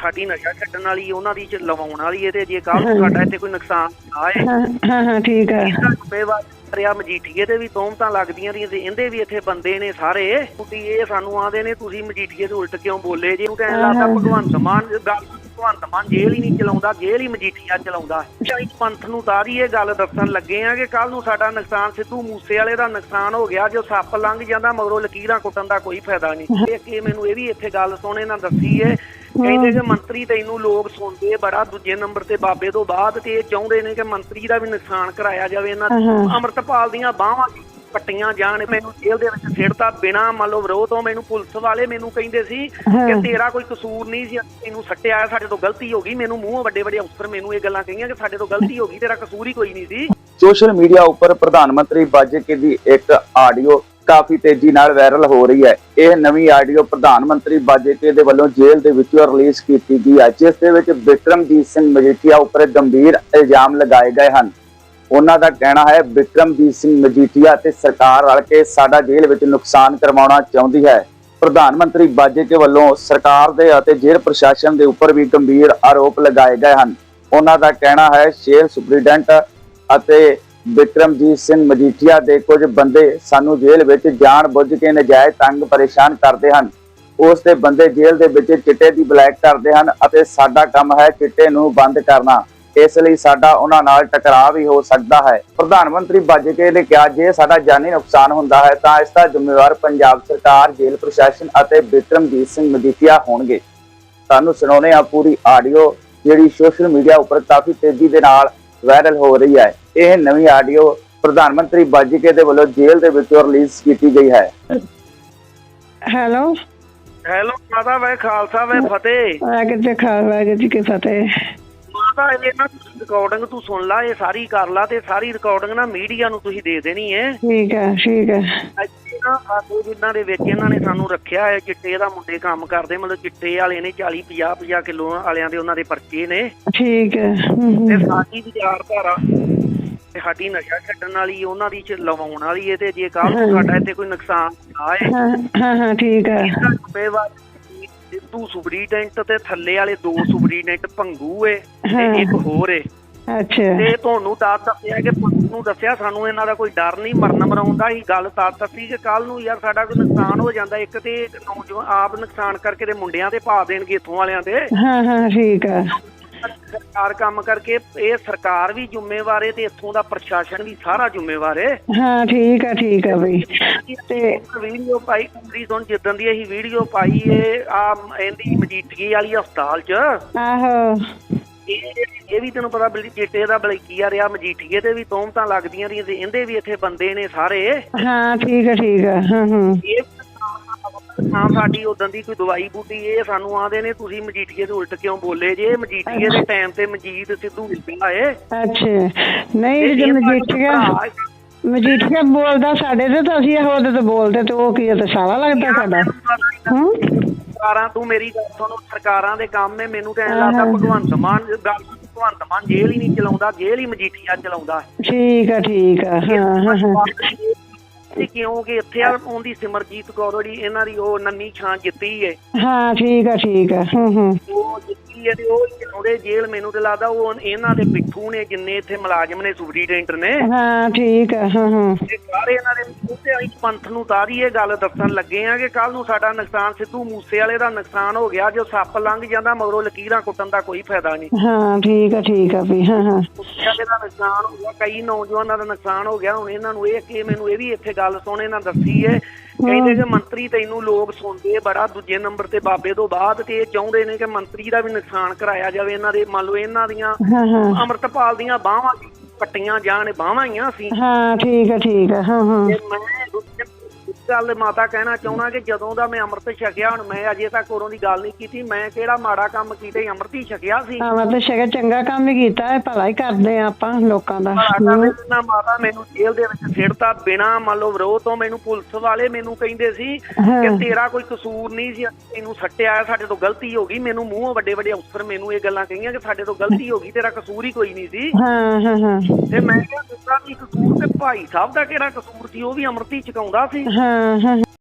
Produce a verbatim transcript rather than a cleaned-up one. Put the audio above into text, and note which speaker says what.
Speaker 1: ਸਾਡੀ ਨਸ਼ਾ ਛੱਡਣ ਵਾਲੀ ਉਹਨਾਂ ਦੀ ਚ ਲਵਾਉਣ ਵਾਲੀ ਹੈ ਤੇ ਜੇ ਕੱਲ ਨੂੰ ਸਾਡਾ ਇੱਥੇ ਕੋਈ ਨੁਕਸਾਨ ਆਏ
Speaker 2: ਹਾਂ ਹਾਂ ਠੀਕ ਹੈ
Speaker 1: ਰਿਆ ਮਜੀਠੀਏ ਤੇ ਵੀ ਤੋਮਤਾਂ ਲੱਗਦੀਆਂ ਰਹੀਆਂ ਤੇ ਇਹਦੇ ਵੀ ਇੱਥੇ ਬੰਦੇ ਨੇ ਸਾਰੇ ਤੁਸੀਂ ਇਹ ਸਾਨੂੰ ਆਂਦੇ ਨੇ ਤੁਸੀਂ ਮਜੀਠੀਏ ਤੋਂ ਉਲਟ ਕਿਉਂ ਬੋਲੇ ਜੇ ਉਹਨੂੰ ਕਹਿਣ ਲੱਗਦਾ ਭਗਵੰਤ ਮਾਨ ਗੱਲ ਭਗਵੰਤ ਮਾਨ ਜੇਲ੍ਹ ਹੀ ਨਹੀਂ ਚਲਾਉਂਦਾ ਜੇਲ੍ਹ ਹੀ ਮਜੀਠੀਆ ਚਲਾਉਂਦਾ ਪੰਥ ਨੂੰ ਤਾਰੀ ਇਹ ਗੱਲ ਦੱਸਣ ਲੱਗੇ ਆ ਕਿ ਕੱਲ ਨੂੰ ਸਾਡਾ ਨੁਕਸਾਨ ਸਿੱਧੂ ਮੂਸੇ ਵਾਲੇ ਦਾ ਨੁਕਸਾਨ ਹੋ ਗਿਆ ਜੋ ਸੱਪ ਲੰਘ ਜਾਂਦਾ ਮਗਰੋਂ ਲਕੀਰਾਂ ਕੁੱਟਣ ਦਾ ਕੋਈ ਫਾਇਦਾ ਨਹੀਂ ਕਿ ਮੈਨੂੰ ਇਹ ਵੀ ਇੱਥੇ ਗੱਲ ਸੋਹਣੇ ਨਾਲ ਦੱਸੀ ਹੈ ਕਹਿੰਦੇ ਕਿ ਮੰਤਰੀ ਤੈਨੂੰ ਲੋਕ ਸੁਣਦੇ ਬੜਾ ਦੂਜੇ ਨੰਬਰ ਤੇ ਬਾਬੇ ਤੋਂ ਬਾਅਦ ਤੇ ਇਹ ਚਾਹੁੰਦੇ ਨੇ ਕਿ ਮੰਤਰੀ ਦਾ ਵੀ ਨੁਕਸਾਨ ਕਰਾਇਆ ਜਾਵੇ ਇਹਨਾਂ ਅੰਮ੍ਰਿਤਪਾਲ ਦੀਆਂ ਬਾਹਾਂ ਕੱਟੀਆਂ ਜਾਣ ਮੈਨੂੰ ਜੇਲ੍ਹ ਦੇ ਵਿੱਚ ਸਿੱਟਤਾ ਬਿਨਾਂ ਮੰਨ ਲਓ ਵਿਰੋਧ ਤੋਂ ਮੈਨੂੰ ਪੁਲਿਸ ਵਾਲੇ ਮੈਨੂੰ ਕਹਿੰਦੇ ਸੀ ਕਿ ਤੇਰਾ ਕੋਈ ਕਸੂਰ ਨਹੀਂ ਸੀ ਤੈਨੂੰ ਸੱਟਿਆ ਸਾਡੇ ਤੋਂ ਗਲਤੀ ਹੋ ਗਈ ਮੈਨੂੰ ਮੂੰਹ ਵੱਡੇ ਵੱਡੇ ਅਫਸਰ ਮੈਨੂੰ ਇਹ ਗੱਲਾਂ ਕਹੀਆਂ ਕਿ ਸਾਡੇ ਤੋਂ ਗਲਤੀ ਹੋ ਗਈ ਤੇਰਾ ਕਸੂਰ ਹੀ ਕੋਈ ਨਹੀਂ ਸੀ।
Speaker 3: ਸੋਸ਼ਲ ਮੀਡੀਆ ਉੱਪਰ ਪ੍ਰਧਾਨ ਮੰਤਰੀ ਬਾਜਵਾ ਦੀ ਇੱਕ ਆਡੀਓ ਕਾਫੀ ਤੇਜ਼ੀ ਨਾਲ ਵਾਇਰਲ ਹੋ ਰਹੀ ਹੈ। ਇਹ ਨਵੀਂ ਆਡੀਓ ਪ੍ਰਧਾਨ ਮੰਤਰੀ ਬਾਜਵਾ ਦੇ ਵੱਲੋਂ ਜੇਲ੍ਹ ਦੇ ਵਿੱਚੋਂ ਰਿਲੀਜ਼ ਕੀਤੀ ਗਈ ਹੈ ਜਿਸ ਦੇ ਵਿੱਚ ਬਿਕਰਮਜੀਤ ਸਿੰਘ ਮਜੀਠੀਆ ਉੱਪਰ ਗੰਭੀਰ ਇਲਜ਼ਾਮ ਲਗਾਏ ਗਏ ਹਨ। ਉਹਨਾਂ ਦਾ ਕਹਿਣਾ ਹੈ ਬਿਕਰਮਜੀਤ ਸਿੰਘ ਮਜੀਠੀਆ ਤੇ ਸਰਕਾਰ ਰਲ ਕੇ ਸਾਡਾ ਜੇਲ੍ਹ ਵਿੱਚ ਨੁਕਸਾਨ ਕਰਵਾਉਣਾ ਚਾਹੁੰਦੀ ਹੈ। ਪ੍ਰਧਾਨ ਮੰਤਰੀ ਬਾਜਵਾ ਵੱਲੋਂ ਸਰਕਾਰ ਦੇ ਅਤੇ ਜੇਲ੍ਹ ਪ੍ਰਸ਼ਾਸਨ ਦੇ ਉੱਪਰ ਵੀ ਗੰਭੀਰ ਆਰੋਪ ਲਗਾਏ ਗਏ ਹਨ। ਉਹਨਾਂ ਦਾ ਕਹਿਣਾ ਹੈ ਜੇਲ੍ਹ ਸੁਪਰੀਡੈਂਟ ਅਤੇ ਬਿਕਰਮਜੀਤ ਸਿੰਘ ਮਜੀਠੀਆ ਦੇ ਕੁਝ ਬੰਦੇ ਸਾਨੂੰ ਜੇਲ੍ਹ ਵਿੱਚ ਜਾਣ ਬੁੱਝ ਕੇ ਨਜਾਇਜ਼ ਤੰਗ ਪਰੇਸ਼ਾਨ ਕਰਦੇ ਹਨ। ਉਸ ਦੇ ਬੰਦੇ ਜੇਲ੍ਹ ਦੇ ਵਿੱਚ ਚਿੱਟੇ ਦੀ ਬਲੈਕ ਕਰਦੇ ਹਨ ਅਤੇ ਸਾਡਾ ਕੰਮ ਹੈ ਚਿੱਟੇ ਨੂੰ ਬੰਦ ਕਰਨਾ। ਇਸ ਲਈ ਸਾਡਾ ਉਹਨਾਂ ਨਾਲ ਟਕਰਾਅ ਵੀ ਹੋ ਸਕਦਾ ਹੈ। ਪ੍ਰਧਾਨ ਮੰਤਰੀ ਬਾਜਵਾ ਨੇ ਕਿਹਾ ਜੇ ਸਾਡਾ ਜਾਨੀ ਨੁਕਸਾਨ ਹੁੰਦਾ ਹੈ ਤਾਂ ਇਸ ਦਾ ਜ਼ਿੰਮੇਵਾਰ ਪੰਜਾਬ ਸਰਕਾਰ ਜੇਲ੍ਹ ਪ੍ਰਸ਼ਾਸਨ ਅਤੇ ਬਿਕਰਮਜੀਤ ਸਿੰਘ ਮਜੀਠੀਆ ਹੋਣਗੇ। ਤੁਹਾਨੂੰ ਸੁਣਾਉਂਦੇ ਹਾਂ ਪੂਰੀ ਆਡੀਓ ਜਿਹੜੀ ਸੋਸ਼ਲ ਮੀਡੀਆ ਉੱਪਰ ਕਾਫੀ ਤੇਜ਼ੀ ਦੇ ਨਾਲ ਵਾਇਰਲ ਹੋ ਰਹੀ ਹੈ। ਇਹ ਨਵੀਂ ਆਡੀਓ ਪ੍ਰਧਾਨ ਮੰਤਰੀ ਬਾਜਵਾ ਦੇ ਵੱਲੋਂ ਜੇਲ੍ਹ ਦੇ ਵਿੱਚੋਂ ਰਿਲੀਜ਼ ਕੀਤੀ ਗਈ ਹੈ।
Speaker 2: ਹੈਲੋ
Speaker 1: ਹੈਲੋ ਮਾਤਾ ਵੇ ਖਾਲਸਾ ਵੇ ਫਤਿਹ
Speaker 2: ਵਾਹਿਗੁਰੂ ਜੀ ਖਾਲਸਾ ਵਾਹਿਗੁਰੂ ਜੀ ਕੀ ਫਤਿਹ।
Speaker 1: ਮਾਤਾ ਇਹ ਨਾ ਰਿਕਾਰਡਿੰਗ ਤੂੰ ਸੁਣ ਲਾ ਇਹ ਸਾਰੀ ਕਰ ਲਾ ਤੇ ਸਾਰੀ ਰਿਕਾਰਡਿੰਗ ਨਾ ਮੀਡੀਆ ਨੂੰ ਤੁਸੀਂ ਦੇ ਦੇਣੀ ਹੈ।
Speaker 2: ਠੀਕ ਹੈ ਠੀਕ ਹੈ।
Speaker 1: ਸਾਡੇ ਜਿਨ੍ਹਾਂ ਦੇ ਵਿੱਚ ਇਹਨਾਂ ਨੇ ਸਾਨੂੰ ਰੱਖਿਆ ਹੈ ਚਿੱਟੇ ਦਾ ਮੁੰਡੇ ਕੰਮ ਕਰਦੇ ਮਤਲਬ ਚਿੱਟੇ ਵਾਲੇ ਨੇ ਚਾਲੀ ਪੰਜਾਹ ਪੰਜਾਹ ਕਿਲੋ ਵਾਲਿਆਂ ਦੇ ਉਹਨਾਂ ਦੇ ਪਰਚੇ ਨੇ। ਠੀਕ ਹੈ ਤੇ ਸਾਡੀ ਵਿਚਾਰਧਾਰਾ ਸਾਡੀ ਨਸ਼ਾ ਛੱਡਣ ਵਾਲੀ ਉਹਨਾਂ ਦੀ ਚ ਲਵਾਉਣ ਵਾਲੀ ਹੈ ਤੇ ਜੇ ਕੱਲ ਨੂੰ ਸਾਡਾ ਇੱਥੇ ਕੋਈ ਨੁਕਸਾਨ ਆਏ
Speaker 2: ਹਾਂ ਹਾਂ ਠੀਕ ਹੈ
Speaker 1: ਸਿੱਧੂ ਸੁਪਰੀਡੈਂਟ ਤੇ ਥੱਲੇ ਵਾਲੇ ਦੋ ਸੁਪਰੀਡੈਂਟ ਭੰਗੂ ਏ ਤੇ ਇੱਕ ਹੋਰ ਏ। ਅੱਛਾ ਤੇ ਤੁਹਾਨੂੰ ਤਾਂ ਦੱਸਿਆ ਕਿ ਪੁਲਿਸ ਨੂੰ ਦੱਸਿਆ ਸਾਨੂੰ ਇਹਨਾਂ ਦਾ ਕੋਈ ਡਰ ਨਹੀਂ ਮਰਨ ਮਰਾਉਣ ਦਾ ਹੀ ਗੱਲ ਤਾਂ ਦੱਸੀ ਕਿ ਕੱਲ ਨੂੰ ਯਾਰ ਸਾਡਾ ਕੋਈ ਨੁਕਸਾਨ ਹੋ ਜਾਂਦਾ ਇੱਕ ਤੇ ਨੌਜਵਾਨ ਆਪ ਨੁਕਸਾਨ ਕਰਕੇ ਤੇ ਮੁੰਡਿਆਂ ਤੇ ਪਾ ਦੇਣਗੇ ਇੱਥੋਂ ਵਾਲਿਆਂ ਤੇ। ਹਾਂ ਹਾਂ ਠੀਕ ਹੈ। ਸਰਕਾਰ ਕੰਮ ਕਰਕੇ ਇਹ ਸਰਕਾਰ ਵੀ ਜ਼ਿੰਮੇਵਾਰ ਹੈ ਤੇ ਇੱਥੋਂ ਦਾ ਪ੍ਰਸ਼ਾਸਨ ਵੀ ਸਾਰਾ ਜ਼ਿੰਮੇਵਾਰ ਹੈ। ਹਾਂ ਠੀਕ ਹੈ ਠੀਕ ਹੈ ਬਈ ਤੇ ਵੀਡੀਓ ਪਾਈ ਕੁੜੀ ਤੋਂ ਜਿੱਦਾਂ ਦੀ ਅਸੀਂ ਵੀਡੀਓ ਪਾਈ ਏ ਆ ਇਹਦੀ ਮਜੀਠੀਏ ਵਾਲੀ ਹਸਪਤਾਲ ਚ ਆਹੋ ਇਹ ਵੀ ਤੈਨੂੰ ਪਤਾ ਬਲੀ ਚਿੱਟੇ ਦਾ ਬਲਕੀਆ ਰਿਹਾ ਮਜੀਠੀਏ ਤੇ ਵੀ ਤੋਮਤਾਂ ਲੱਗਦੀਆਂ ਰਹੀਆਂ ਤੇ ਇਹਦੇ ਵੀ ਇੱਥੇ ਬੰਦੇ ਨੇ ਸਾਰੇ। ਹਾਂ ਠੀਕ ਹੈ ਠੀਕ ਹੈ। ਹਾਂ ਹਾਂ ਹਾਂ ਸਾਡੀ ਉਦੋਂ ਦੀ ਕੋਈ ਦਵਾਈ ਬੂਟੀ ਇਹ ਸਾਨੂੰ ਆਂਦੇ ਨੇ ਤੁਸੀਂ ਮਜੀਠੀਏ ਤੋਂ ਉਲਟ ਕਿਉਂ ਬੋਲੇ ਜੇ ਮਜੀਠੀਏ ਦੇ ਟਾਈਮ ਤੇ ਮਜੀਦ ਸਿੱਧੂ ਮਿਲਦਾ ਏ। ਅੱਛਾ ਨਹੀਂ ਜੇ ਮਜੀਠੀਆ ਮਜੀਠੀਆ ਬੋਲਦਾ ਸਾਡੇ ਤੇ ਤਾਂ ਅਸੀਂ ਉਹਦੇ ਤੇ ਬੋਲਦੇ ਤੇ ਉਹ ਕੀ ਤੇ ਸਾਲਾ ਲੱਗਦਾ ਸਾਡਾ। ਹੂੰ ਸਰਕਾਰਾਂ ਤੂੰ ਮੇਰੀ ਗੱਲ ਸੁਣ ਸਰਕਾਰਾਂ ਦੇ ਕੰਮ ਹੈ ਮੈਨੂੰ ਕਹਿਣ ਲੱਗਦਾ ਭਗਵੰਤ ਮਾਨ ਗੱਲ ਭਗਵੰਤ ਮਾਨ ਜੇਲ੍ਹ ਹੀ ਨਹੀਂ ਚਲਾਉਂਦਾ ਜੇਲ੍ਹ ਹੀ ਮਜੀਠੀਆ ਚਲਾਉਂਦਾ। ਠੀਕ ਆ ਠੀਕ ਆ। ਹਾਂ ਹਾਂ ਕਿਉਂਕਿ ਇੱਥੇ ਆਉਂਦੀ ਸਿਮਰਜੀਤ ਕੌਰ ਜਿਹੜੀ ਇਹਨਾਂ ਦੀ ਉਹ ਨੰਨੀ ਛਾਂ ਜਿੱਤੀ ਹੈ। ਹਾਂ ਠੀਕ ਆ ਠੀਕ ਆ। ਉਹ ਜਿੱਤੀ ਹੈ ਤੇ ਉਹ ਚਲਾਉਂਦੇ ਜੇਲ੍ਹ ਮੈਨੂੰ ਤੇ ਲੱਗਦਾ ਉਹ ਇਹਨਾਂ ਦੇ ਪਿੱਠੂ ਨੇ ਜਿੰਨੇ ਇੱਥੇ ਮੁਲਾਜ਼ਮ ਨੇ ਸੁਪਰੀਡੈਂਟ ਨੇ। ਹਾਂ ਠੀਕ ਆ। ਹਾਂ ਹਾਂ ਸਾਰੇ ਇਹਨਾਂ ਦੇ ਪੰਥ ਨੂੰ ਤਾਰੀ ਇਹ ਗੱਲ ਦੱਸਣ ਲੱਗੇ ਆ ਕਿ ਕੱਲ ਨੂੰ ਸਾਡਾ ਨੁਕਸਾਨ ਸਿੱਧੂ ਮੂਸੇ ਵਾਲੇ ਦਾ ਨੁਕਸਾਨ ਹੋ ਗਿਆ ਜੋ ਸੱਪ ਲੰਘ ਜਾਂਦਾ ਮਗਰੋਂ ਲਕੀਰਾਂ ਕੁੱਟਣ ਦਾ ਕੋਈ ਫਾਇਦਾ ਨਹੀਂ। ਹਾਂ ਠੀਕ ਆ ਠੀਕ ਆ ਵੀ। ਹਾਂ ਹਾਂ ਦਾ ਨੁਕਸਾਨ ਹੋ ਗਿਆ ਕਈ ਨੌਜਵਾਨਾਂ ਦਾ ਨੁਕਸਾਨ ਹੋ ਗਿਆ ਹੁਣ ਇਹਨਾਂ ਨੂੰ ਇਹ ਕਿ ਮੈਨੂੰ ਇਹ ਵੀ ਇੱਥੇ ਗੱਲ ਸੋਹਣੇ ਨਾਲ ਦੱਸੀ ਹੈ ਕਹਿੰਦੇ ਕਿ ਮੰਤਰੀ ਤੈਨੂੰ ਲੋਕ ਸੁਣਦੇ ਬੜਾ ਦੂਜੇ ਨੰਬਰ ਤੇ ਬਾਬੇ ਤੋਂ ਬਾਅਦ ਤੇ ਇਹ ਚਾਹੁੰਦੇ ਨੇ ਕਿ ਮੰਤਰੀ ਦਾ ਵੀ ਨੁਕਸਾਨ ਕਰਾਇਆ ਜਾਵੇ ਇਹਨਾਂ ਦੇ ਮੰਨ ਲਓ ਇਹਨਾਂ ਦੀਆਂ ਅੰਮ੍ਰਿਤਪਾਲ ਦੀਆਂ ਬਾਹਾਂ ਕੱਟੀਆਂ ਜਾਣ ਬਾਹਾਂ ਹੀ ਆ ਸੀ। ਹਾਂ ਠੀਕ ਹੈ ਠੀਕ ਹੈ। ਹਾਂ ਹਾਂ ਮੈਂ ਗੱਲ ਮਾਤਾ ਕਹਿਣਾ ਚਾਹੁੰਦਾ ਕਿ ਜਦੋਂ ਦਾ ਮੈਂ ਅੰਮ੍ਰਿਤ ਛਕਿਆ ਹੁਣ ਮੈਂ ਅਜੇ ਤੱਕ ਉਰੋਂ ਦੀ ਗੱਲ ਨਹੀਂ ਕੀਤੀ ਮੈਂ ਕਿਹੜਾ ਮਾੜਾ ਕੰਮ ਕੀਤਾ ਅੰਮ੍ਰਿਤ ਹੀ ਛਕਿਆ ਸੀ। ਅੰਮ੍ਰਿਤ ਛਕਿਆ ਚੰਗਾ ਕੰਮ ਹੀ ਕੀਤਾ ਹੈ ਭਲਾ ਹੀ ਕਰਦੇ ਆ ਆਪਾਂ ਲੋਕਾਂ ਦਾ। ਮਾਤਾ ਮੈਨੂੰ ਜੇਲ੍ਹ ਦੇ ਵਿੱਚ ਸਿੱਟਤਾ ਬਿਨਾਂ ਮੰਨ ਲਓ ਵਿਰੋਧ ਤੋਂ ਮੈਨੂੰ ਪੁਲਿਸ ਵਾਲੇ ਮੈਨੂੰ ਕਹਿੰਦੇ ਸੀ ਕਿ ਤੇਰਾ ਕੋਈ ਕਸੂਰ ਨਹੀਂ ਸੀ ਤੈਨੂੰ ਸੱਟਿਆ ਸਾਡੇ ਤੋਂ ਗਲਤੀ ਹੋ ਗਈ ਮੈਨੂੰ ਮੂੰਹ ਵੱਡੇ ਵੱਡੇ ਅਫਸਰ ਮੈਨੂੰ ਇਹ ਗੱਲਾਂ ਕਹੀਆਂ ਕਿ ਸਾਡੇ ਤੋਂ ਗਲਤੀ ਹੋ ਗਈ ਤੇਰਾ ਕਸੂਰ ਹੀ ਕੋਈ ਨਹੀਂ ਸੀ। ਹਾਂ ਹਾਂ ਹਾਂ ਤੇ ਮੈਂ ਕਿਹਾ ਦੂਸਰਾ ਵੀ ਕਸੂਰ ਤੇ ਭਾਈ ਸਾਹਿਬ ਦਾ ਕਿਹੜਾ ਕਸੂਰ ਸੀ ਉਹ ਵੀ ਅੰਮ੍ਰਿਤ ਹੀ ਛਕਾਉਂਦਾ ਸੀ। ਹਾਂ ਹਾਂ